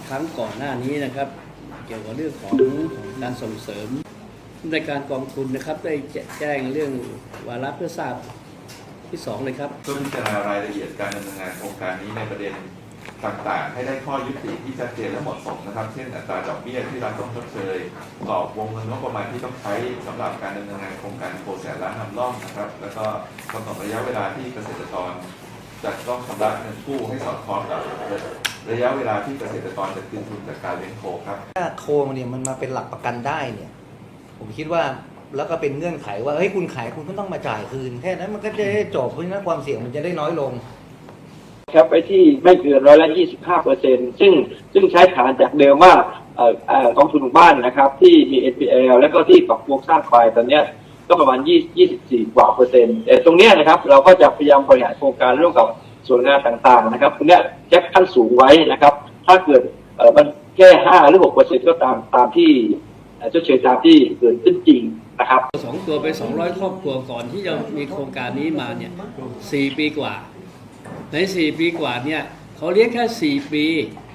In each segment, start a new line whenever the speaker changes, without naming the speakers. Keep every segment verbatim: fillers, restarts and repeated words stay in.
ครั้งก่อนหน้านี้นะครับเกี่ยวกับเรื่องของการส่งเสริมในการกองทุนนะครับได้แจ้งเรื่องวาระเพื่อทราบที่สองเลยครับ
เพื่อพิจารณารายละเอียดการดำเนินงานโครงการนี้ในประเด็นต่างๆให้ได้ข้อยุติที่ชัดเจนและเหมาะสมนะครับเช่นอัตราดอกเบี้ยที่รัฐต้องชดเชยกรอบวงเงินงบประมาณที่ต้องใช้สำหรับการดำเนินงานโครงการโคแสนล้านนำร่องนะครับแล้วก็กำหนดระยะเวลาที่เกษตรกรจะต้องชำระเงินกู้ให้สอดคล้องกับระยะเวลาที่เกษตรกรจะคืนทุนจากการเลี้ยงโคครับ
ถ้าโคเนี่ยมันมาเป็นหลักประกันได้เนี่ยผมคิดว่าแล้วก็เป็นเงื่อนไขว่าเฮ้ยคุณขายคุณก็ต้องมาจ่ายคืนแค่นั้นมันก็จะได้จบเพราะฉะนั้นความเสี่ยงมันจะได้น้อยลง
ครับไปที่ไม่เกินร้อยละยี่สิบห้าเปอร์เซ็นต์ซึ่งซึ่งใช้ฐานจากเดิมว่าเอ่อเอ่อกองทุนหมู่บ้านนะครับที่มี เอ็น พี แอล แล้วก็ที่ปรับปรุงสร้างไปตอนเนี้ยก็ประมาณยี่สิบสี่กว่าเปอร์เซ็นต์แต่ตรงเนี้ยนะครับเราก็จะพยายามบริหารโครงการร่วมกับส่วนงานต่างๆนะครับตรงเนี้ยแจ็คขั้นสูงไว้นะครับถ้าเกิดเอ่อมันแค่ห้าหรือหกเปอร์เซ็นต์ก็ตามตามที่เจ้าเฉยตามที่เกิดขึ้นจริงนะครับ
สองตัวไปสองร้อยครอบครัวก่อนที่จะมีโครงการนี้มาเนี่ยสี่ปีกว่าในสี่ปีกว่าเนี่ยเขาเลี้ยงแค่สี่ปี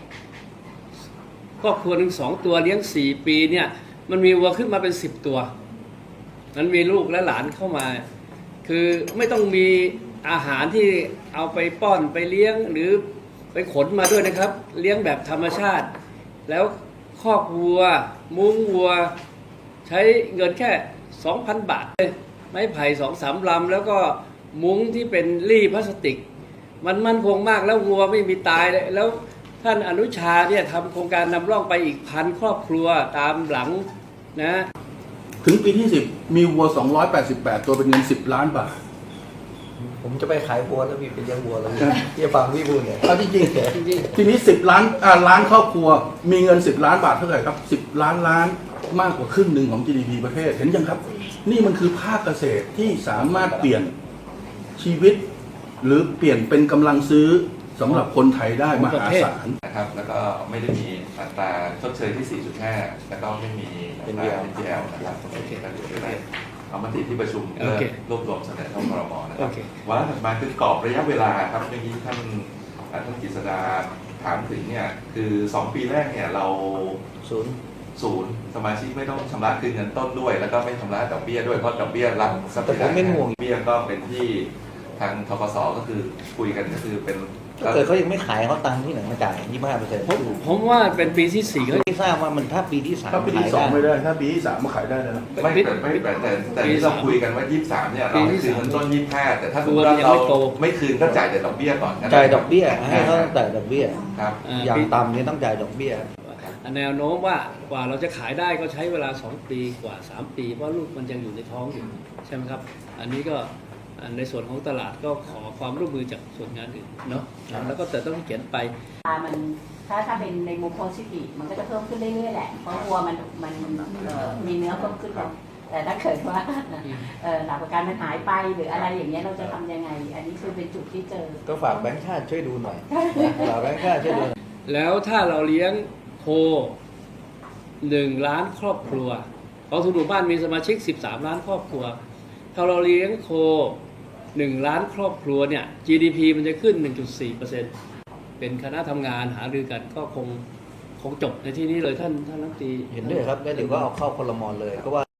ครอบครัวหนึ่งสองตัวเลี้ยงสี่ปีเนี่ยมันมีวัวขึ้นมาเป็นสิบตัวมันมีลูกและหลานเข้ามาคือไม่ต้องมีอาหารที่เอาไปป้อนไปเลี้ยงหรือไปขนมาด้วยนะครับเลี้ยงแบบธรรมชาติแล้วคอกวัวมุ้งวัวใช้เงินแค่ สองพัน บาทไม้ไผ่สองสามลำแล้วก็มุ้งที่เป็นรี่พลาสติกมันมั่นคงมากแล้ววัวไม่มีตายเลยแล้วท่านอนุชาเนี่ยทำโครงการนำร่องไปอีกพันครอบครัวตามหลังนะ
ถึงปีที่สิบมีวัวสองร้อยแปดสิบแปดตัวเป็นเงินสิบล้านบาท
ผมจะไปขายวัวแล้วพี่ไปเลี้ยงวัวแล้วพี่ฟังพี่พูดเนี่ย
เอาจริงๆทีนี้สิบล้านอ่าล้านครอบครัวมีเงินสิบล้านบาทเท่าไหร่ครับสิบล้านล้านมากกว่าครึ่งหนึ่งของ จี ดี พี ประเทศเห็นยังครับนี่มันคือภาคเกษตรที่สามารถเปลี่ยนชีวิตหรือเปลี่ยนเป็นกำลังซื้อสำหรับคนไทยได้มหาศาล
นะครับแล้วก็ไม่ได้มีอัตราชดเชยที่ สี่จุดห้า แล้วก็ไม่มีอัตรา เอ็น พี แอล นะครับโอเคก็ถือได้เอามติที่ประชุมเพื่อรวบรวมเสนอเข้าครม.นะครับวาระถัดมาคือกรอบระยะเวลาครับเมื่อกี้ท่านท่านกฤษดาถามถึงเนี่ยคือสองปีแรกเนี่ยเรา
ศูนย์
ศูนย์สมาชิกไม่ต้องชำระคืนเงินต้นด้วยแล้วก็ไม่ชำระดอกเบี้ยด้วยเพราะดอกเบี้ยรับ
แต่ผมไม่ห่วง
เบี้ยก็เป็นที่ทางธกส.ก็คือคุยกันก็คือเป็น
ถ้าเกิดเขายังไม่ขายเขาตังค์ที่ไหนมาจ่ายยี่สิบห้าเปอร์เซ็นต์
ผมผมว่าเป็นปีที่สี่เขา
ไม่ทราบว่ามันถ้าปีที่สาม
ถ้าปีที่สองไม่ได้ถ้าปีที่สามมาขายได้นะ
ไม่แต่ไม่แต่แต่แต่ที่เราคุยกันว่ายี่สิบสามเนี่ยเราคืนเงินต้นยี่สิบห้าแต่ถ้าเราไม่คืนก็จ่ายแต่ดอกเบี้ยก่อน
จ่ายดอกเบี้ยให้เขาจ่ายดอกเบี้ย
ครับ
อย่างต่ำเนี่ยต้องจ่ายดอกเบี้ย
แนวโน้มว่ากว่าเราจะขายได้ก็ใช้เวลาสองปีกว่าสามปีเพราะลูกมันยังอยู่ในท้องอยู่ใช่ไหมครับอันนี้ก็ในส่วนของตลาดก็ขอความร่วมมือจากส่วนงานอื่นเนาะแล้วก็แต่ต้องเขียนไป
มันถ้าถ้าเป็นในมุมโพสิทีฟมันก็จะเพิ่มขึ้นเรื่อยๆแหละเพราะวัวมันมันมีเนื้อเพิ่มขึ้นแต่ถ้าเกิดว่าหลักประกันมันหายไปหรืออะไรอย่างเงี้ยเราจะทำยังไงอันนี้คือเป็นจุดที่เจอ
ก็ฝากแบงค์ชาติช่วยดูหน่อยฝากแบงค์ชาติช่วยดู
แล้วถ้าเราเลี้ยงโคหนึ่งล้านครอบครัวกองทุนหมู่บ้านมีสมาชิกสิบสามล้านครอบครัวถ้าเราเลี้ยงโคหนึ่งล้านครอบครัวเนี่ย จี ดี พี มันจะขึ้น หนึ่งจุดสี่เปอร์เซ็นต์ เป็นคณะทำงานหารือกันก็คงคงจบในที่นี้เลยท่านท่านรัฐมนตรี
เห็นด้วยครับแล้วเดี๋ยวก็เอาเข้าครม.เลยก็ว่า